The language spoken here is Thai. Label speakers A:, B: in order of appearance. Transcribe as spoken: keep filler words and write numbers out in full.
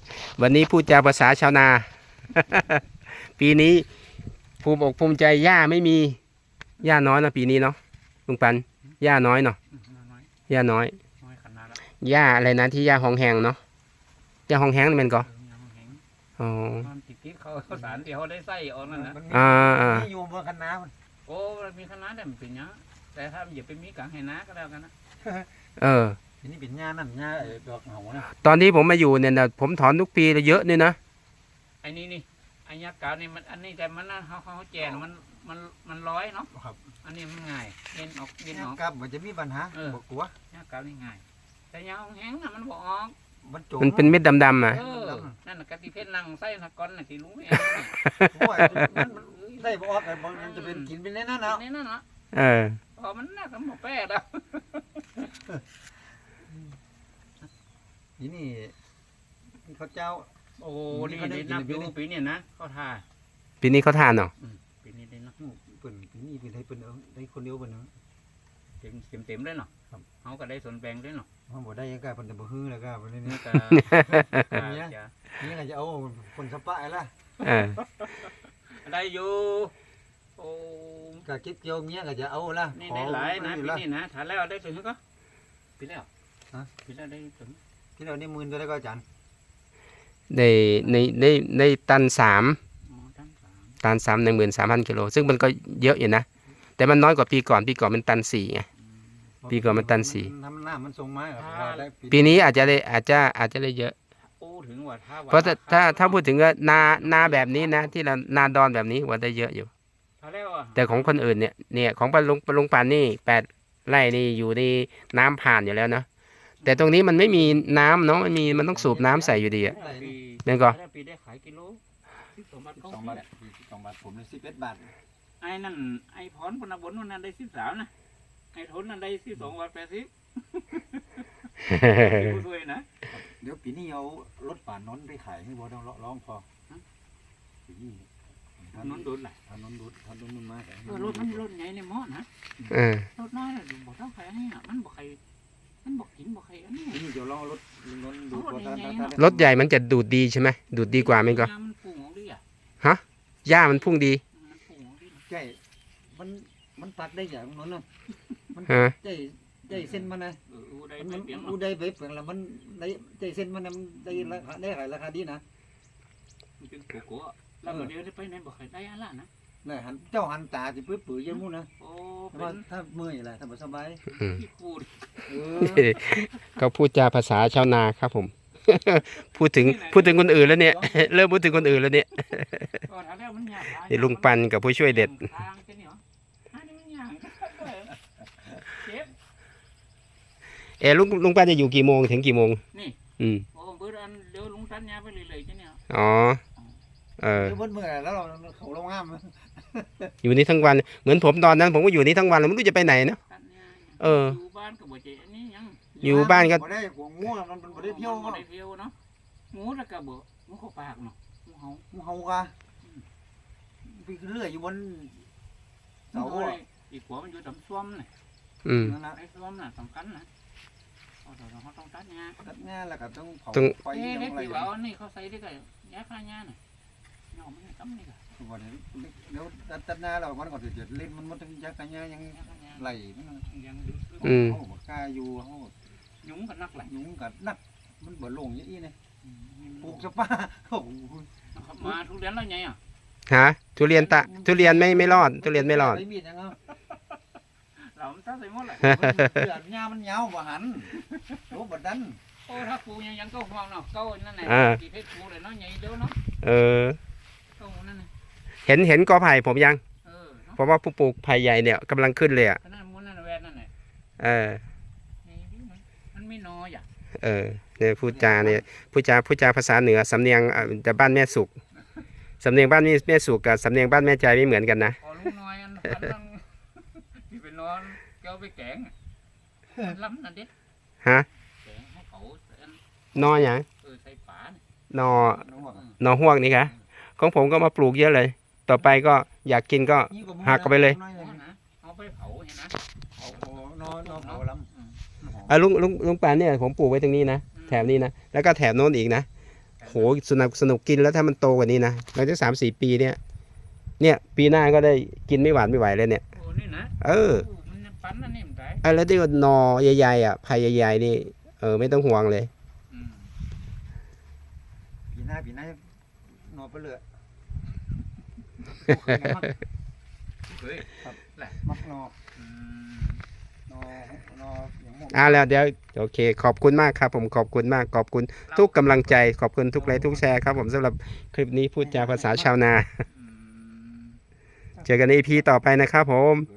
A: วันนี้พูดจาภาษาชาวนา ปีนี้ภูมิอกภูมิใจหญ้าไม่มีหญ้าน้อยเนาะปีนี้เนาะลุงปันหญ้าน้อยเนาะหญ้าน้อยหญ้าอะไรนะที่หญ้าหองแหงเนาะหญ้าหองแหงนี่มันก็อ๋อ
B: ติดติดเขาสารที่เขาได้ใส่ออกนั่นนะ
A: อ่าอ่า
C: อยู่บนคณะมัน
B: โอ้มีคณะแต่มันเป็นยังแต่ถ้าอย่าไปมีกลางให้นาก็แล้วกันนะ
A: เออ
C: นี่เป็นหญ้านั่นหญ้าดอกเหานะ
A: ตอนที่ผมมาอยู่เนี่ยนะผมถอนทุกปีเลยเยอะเนี่ยนะ
B: ไอ้นี่นี่ไอ้ยักษ์เก่านี่มันอันนี้แต่มันนะเขาเขาแจกมันมันมันร้อยเนาะอันนี้มันง่ายเย็นออกเย็นออก
C: กับมันจะมีปัญหาบอกกลัว
B: ยักษ์เก่านี่ง่ายแต่ยาแห้งน่ะมันบอกออก
A: มันเป็นเม็ดดำๆอ่ะ
B: นั่นน่ะกะทิเพชรนั่งไส้นักก้อนน่ะที่ลุงเอง
C: ได้บอกออกมันจะเป็นกินเป็นแน่นอนเนาะ
B: แน่นอนเนาะ
A: เออ
B: พอมันน่าสมบูรณ์แปดอ่ะ
C: นี่นี่เขาเจ้า
B: โอ้ดีดีนับอยู่ปีนี้นะเขาทา
A: ปีนี้เขาทานเนาะ
B: ปีนี้ได้เนาะ
C: เปิ่นปีนี้เป็นได้เปิ่นได้คนเดียวเปิ่นเนาะ
B: เต็มเต็มเต็มเลยเนาะเขาก็ได้ส่วนแบ่งด้วยเนาะ
C: เขาบอกได้ยังไงเปิ่นจะบ่ฮื้อแล้วก็เปิ่นนี่ก็นี่นี่ก็จะเอาคนสปะละ
B: ได้อยู่โอ้
C: ก็คิดเกี่ยวเมียก็จะเอาละ
B: นี่ได้หลายนะปีนี้นะถ่ายแล้วได้ถึงก็ปีแล้วฮะปีแล้วได้ถึง
C: ปีแล้วนี่หมื่นตัวได้ก็จัน
A: ในในในในตันสามตันสามหนึ่งหมื่นสามพันกิโลซึ่งมันก็เยอะอยู่นะแต่มันน้อยกว่าปีก่อนปีก่อนมันตันสี่ไงปีก่อนมันตันสี่ปีนี้อาจจะได้อาจจะอาจจะได้เยอะเพราะถ้าถ้าถ้าพูดถึงว่านานาแบบนี้นะที่เรานาดอนแบบนี้ว่าได้เยอะอยู่แต่ของคนอื่นเนี่ยเนี่ยของปลาลุงปลาลุงปานนี่แปดไร่นี่อยู่ในน้ำผ่านอยู่แล้วเนาะแต่ตรงนี้มันไม่มีน้ำเนาะมันมีมันต้องสูบน้ำใส่อยู่ดีอ่ะนั่นก็
B: ปีได้ขายกิโลสิบสองบาท
C: สองบาทสิบสองบาทผมได้สิบเอ็ดบาท
B: ไอ้นั่นไอ้พรพนักบนนั่นได้สิบสามนะไอ้ทนนั่นได้สิบสองบาทแปดสิบผู้ช่วยนะ
C: เดี๋ยวปีนี้เอารถป่านนไปขายให้บ่ต้องร้องพอปีนี้
B: ถนนดูดแหละ
C: ถนนดูดถนนมันมาก
B: รถมันรถใหญ่ในหม้อนะรถน้อยบอกต้องใครให้อ่ะมันบอกใครมันบอกกินบอกใครอันนี้
C: นี่เดี๋ยวลองรถนนดู
A: ดรถใหญ่มันจะดูดดีใช่ไหมดูดดีกว่าไหมก็ฮะหญ้ามันพุ่งดี
C: ใช่มันมันตัดได้อย่างนั้นนะมันใจใจเส้นมันนะมันอูได้เว็บอย่างละมันได้ใจเส้นมันมันได้ราคาได้ราคาดีนะ
B: มันเป็นโกโก้แล้วเดี๋ยวไปไหนบอกใครได้อะไรนะ
C: นี่หันเจ้าหันตาสิปื้อปื้อยังมู่นะโอ้ถ้าเมื่อยอะไรถ้าสบาย
A: เขาพูดจาภาษาชาวนาครับผมพูดถึงพูดถึงคนอื่นแล้วเนี่ยเริ่มพูดถึงคนอื่นแล้วเนี่ยนี่ลุงปันกับผู้ช่วยเด็ดเออลุงลุงปันจะอยู่กี่โมงถึงกี่โมง
B: นี่
A: อืม
B: โอ้เบอร์อันเดี๋ยวลุงตันยาไปเรื่อยๆจ้ะเนี่ย
A: อ๋อเออ
C: เมื่อแล้วเราเขาลงห้าม
A: อยู่นี่ทั้งวันเหมือนผมตอนนั้นผมก็อยู่นี่ทั้งวันแล้วไม่รู้จะไปไหนเนาะเออ
B: อยู่บ้านก็บ่เจนี่ยัง
A: อยู่บ้านก็
C: บ่ได้หัวงูมันบ่ได้เที่ยว
B: บ่ได้เที่ยวเนาะงูแล้วก็บ่งูเข้าปากเนาะงูเห่า
C: งูเห่ากะไปเรื่อยอยู่บน
B: เสาอีกหัวมันอยู่ตำซ้อมน่ะ
A: อืม
B: นั่นน่ะไอ้ซ้อมน่ะสำคัญนะเอาเดี๋ยวเราต้องตัดหญ้า
C: ตัดหญ้าแล้วก็ต้องเผา
B: ไฟอย่างไรว่านี่เขาใส่ได้ก็หญ้าฆ่าหญ้าน่ะเนาะมันต้ำนี่ก็
C: วันนี้เดี๋ยวตัดหน้าเรามันก็จะเล่นมันมันต้องยักกันยักยังไหลมัน
B: ยัง
A: อืม
C: เขาบอกกล้าอยู่เขา
B: ยุงกับนักไหล
C: ยุงกับนักมันบ่ลงอย่างนี้เนี่ยปลูกสปาโอ้
B: มาทุเรียนแล้วไงอ่ะ
A: ฮะทุเรียนตะทุเรียนไม่ไม่รอดทุเรียนไม่รอด
B: เราตัดใส่หมดเลย
C: เดือดหญ้ามันยาวบ่หันรู้บ่ดัน
B: โอ้ถ้าปลูกยังยังก็ห่วงเนาะก็นั่นแหละที่เพชรปลูกเลยเนาะใหญ่เด้อเนาะ
A: เออ
B: เห็น
A: เห็นกอไผ่ผมยังเพราะว่าผู้ปลูกไผ่ใหญ่เนี่ยกำลังขึ้นเลยอ่ะเออ
B: มันไม่น้อยอ่ะ
A: เออเนี่ยพูดจาเนี่ยพูดจาพูดจาภาษาเหนือสำเนียงแต่บ้านแม่สุกสำเนียงบ้านแม่สุกกับสำเนียงบ้านแม่ใจไม่เหมือนกันนะ
B: พอลูกน้อยอันนั้นที่ไปนอนเกี่ยวไปแกงล้ำนั่นเด็ด
A: ฮะ
B: แกงให้เขา
A: นออย่าง
B: เออใส่ฝ
A: านอนอห่วงนี่ค่ะของผมก็มาปลูกเยอะเลยต่อไปก็อยากกินก็หักกันไปเลย
B: เอาไปเผาเห็นนะ
C: เผานอนนอนเผาล้ำ
A: อ่ะลุงลุงลุงปานเนี่ยผมปลูกไว้ตรงนี้นะแถบนี้นะแล้วก็แถบโน้นอีกนะโหสนุกสนุกกินแล้วถ้ามันโตกว่านี้นะหลังจากสามสี่ปีเนี่ยเนี่ยปีหน้าก็ได้กินไม่หวานไม่ไหวเลยเนี่ย
B: โอ้นี่นะ
A: เออ
B: โมันยังปั้นอันนี้มันได้
A: ไอ้แล้วที่ว่าหนอใหญ่ๆอ่ะไผ่ใหญ่ๆนี่เออไม่ต้องห่วงเลย
B: อืม
C: ปีหน้าปีหน้าหนอไปเลย
B: เฮ้ย
C: มักหนอ
B: อืม
C: หนอหนออย่างหมด
A: อ่าแล้วเดี๋ยวโอเค ขอบคุณมากครับผมขอบคุณมากขอบคุณทุกกำลังใจขอบคุณทุกไลค์ทุกแชร์ครับผมสำหรับคลิปนี้พูดจาภาษาชาวนา
B: อืม
A: เจอกันใน อี พี ต่อไปนะครับผม
C: เอ